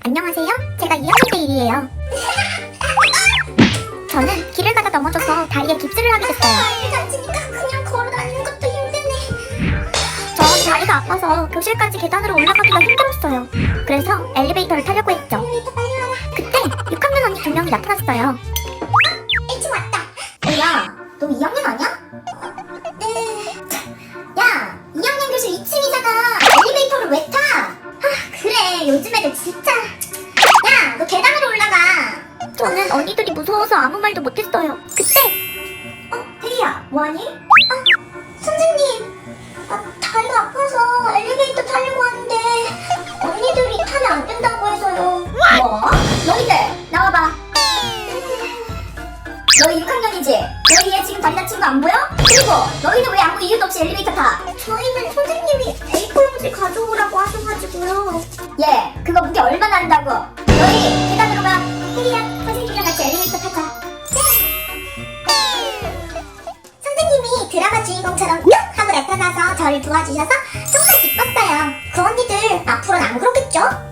안녕하세요. 제가 2학년 때 일이에요. 저는 길을 가다 넘어져서 다리에 깁스를 하게 됐어요. 다치니까 그냥 걸어다니는 것도 힘드네. 전 다리가 아파서 교실까지 계단으로 올라가기가 힘들었어요. 그래서 엘리베이터를 타려고 했죠. 그때 6학년 언니 2명이 나타났어요. 일찍 왔다. 야, 너 2학년 아니야? 네. 야, 2학년 교실 2층이잖아. 엘리베이터를 왜 타? 그래, 요즘 애들 진짜. 야, 너 계단으로 올라가. 저는 언니들이 무서워서 아무 말도 못했어요. 그때 혜리야, 뭐하니? 선생님, 다리가 아파서 엘리베이터 타려고 하는데 언니들이 타면 안 된다고 해서요. 뭐? 너희들 나와봐. 너희 6학년이지? 너희 얘 지금 다리 다친 거 안 보여? 그리고 너희는 왜 아무 이유도 없이 엘리베이터 타? 저희는 선생님이 A4 용지 가져오라고 하셔가지고요. 얘, 그거 무게 얼마나 한다고? 너희 계단으로 가. 혜리야, 선생님이랑 같이 엘리베이터 타자. 네. 선생님이 드라마 주인공처럼 뿅 하고 나타나서 저를 도와주셔서 정말 기뻤어요. 그 언니들 앞으로는 안 그러겠죠?